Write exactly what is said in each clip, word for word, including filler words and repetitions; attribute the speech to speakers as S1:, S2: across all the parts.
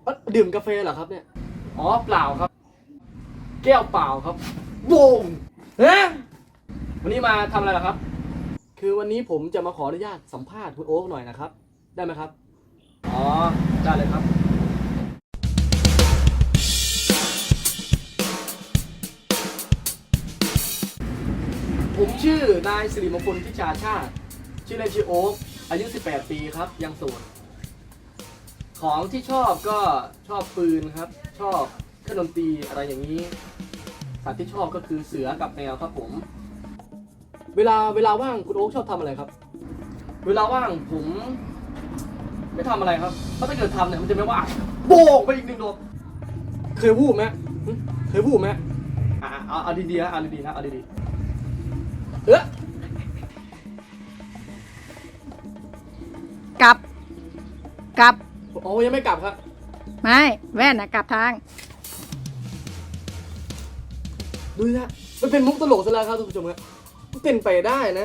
S1: ดื่มกาแฟเหรอครับเนี่ยอ๋อเปล่าครับแก้วเปล่าครับโวงเฮ้วันนี้มาทำอะไรล่ะครับคือวันนี้ผมจะมาขออนุญาตสัมภาษณ์คุณโอ๊คหน่อยนะครับได้ไหมครับอ๋อได้เลยครับผมชื่อนายสิริมงคลพิชาชาติชื่อเล่นชื่อโอ๊คอายุสิบแปดปีครับยังโสดของที่ชอบก็ชอบปืนครับชอบเครื่องดนตรีอะไรอย่างนี้สัตว์ที่ชอบก็คือเสือกับแมวครับผมเวลาเวลาว่างคุณโอ๊คชอบทำอะไรครับเวลาว่างผมไม่ทำอะไรครับเพราะถ้าเกิดทำเนี่ยมันจะไม่ว่างโบกไปอีกหนึ่งดอกเคยวูบไหมเคยวูบไหมอ่าเอาเอาดีๆนะเอาดีๆนะเอาดีๆเออก
S2: ลับกลับ
S1: โอ้ยังไม่กลับครับ
S2: ไม่แว่นนะกลับทาง
S1: ดูนะมันเป็นมุกตลกซะแล้วครับทุกผู้ชมครับมันเป็นไปได้นะ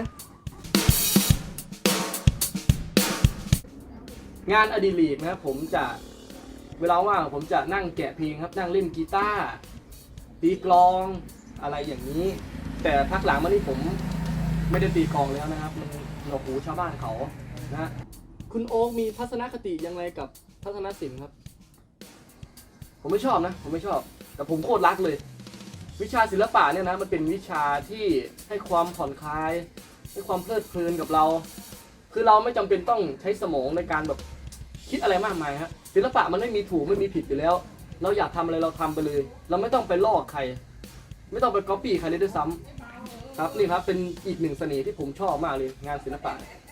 S1: งานอดิเรกนะครับผมจะเวลาว่างผมจะนั่งแกะเพลงครับนั่งเล่นกีตาร์ตีกลองอะไรอย่างนี้ แต่พักหลังมานี่ผมไม่ได้ตีกลองแล้วนะครับมันหนวกหูชาวบ้านเขานะคุณโอ๊คมีทัศนคติยังไงกับทัศนศิลป์ครับผมไม่ชอบนะผมไม่ชอบแต่ผมโคตรรักเลยวิชาศิลปะเนี่ยนะมันเป็นวิชาที่ให้ความผ่อนคลายให้ความเพลิดเพลินกับเรา คือเราไม่จำเป็นต้องใช้สมองในการแบบคิดอะไรมากมายฮะศิลปะมันไม่มีถูกไม่มีผิดอยู่แล้วเราอยากทำอะไรเราทำไปเลยเราไม่ต้องไปลอกใครไม่ต้องไปก๊อปปี้ใครเลยด้วยซ้ำครับนี่ครับเป็นอีกหนึ่งเสน่ห์ที่ผมชอบมากเลยงานศิลปะ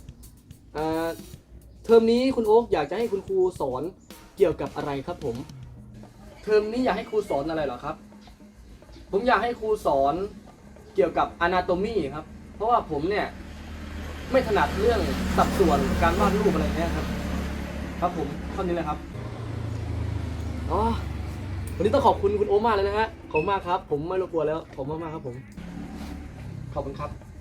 S1: เทอมนี้คุณโอ๊คอยากจะให้คุณครูสอนเกี่ยวกับอะไรครับผมเทอมนี้อยากให้ครูสอนอะไรเหรอครับผมอยากให้ครูสอนเกี่ยวกับ Anatomy ครับเพราะว่าผมเนี่ยไม่ถนัดเรื่องสัดส่วนการวาดรูปอะไรเงี้ยครับครับผมเท่านี้เลยครับอ๋อวันนี้ต้องขอบคุณคุณโอ๊คมากเลยนะฮะขอบคุณมากครับผมไม่รบกวนแล้วขอบคุณมากๆครับผมขอบคุณครับ